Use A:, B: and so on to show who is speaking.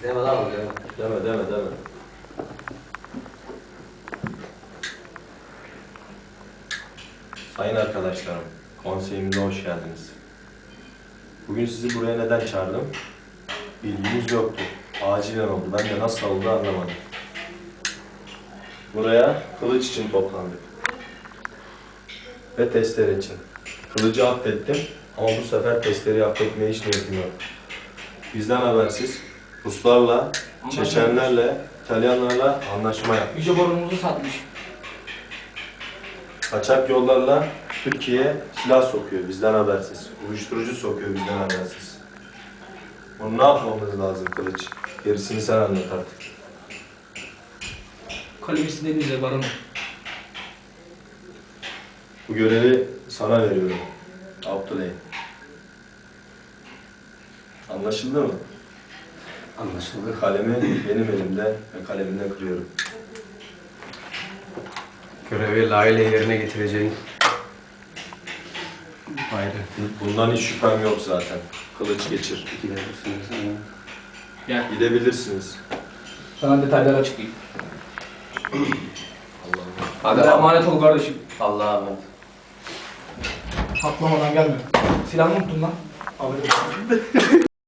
A: Deme lan deme.
B: Deme. Sayın arkadaşlarım, konseyimize hoş geldiniz. Bugün sizi buraya neden çağırdım? Bilginiz yoktu. Acilen oldu. Ben de nasıl oldu anlamadım. Buraya kılıç için toplandık. Ve testere için. Kılıcı affettim ama bu sefer testereyi affetmeye hiç niyetim yok. Bizden habersiz Ruslarla, Çeçenlerle, İtalyanlarla anlaşma yapmış.
C: Yüce borunumuzu satmış.
B: Kaçak yollarla Türkiye'ye silah sokuyor bizden habersiz. Uyuşturucu sokuyor bizden habersiz. Bunu ne yapmamız lazım Kılıç? Gerisini sen anlat artık.
C: Kalemi denize baronum.
B: Bu görevi sana veriyorum. Abdüley. Anlaşıldı mı?
A: Anlaşıldı.
B: Kalemi benim elimde ve kalemimle kırıyorum.
A: Görevi layığıyla yerine getireceğin. Ayrı.
B: Bundan hiç şüphem yok zaten. Kılıç geçir.
A: Gidebilirsiniz.
C: Gel.
B: Gidebilirsiniz.
C: Sana detayları açıklayayım.
A: Hadi
C: Hadi emanet ol kardeşim.
A: Allah'a emanet.
C: Atlamadan gelme. Silahını unuttun lan. Alırım.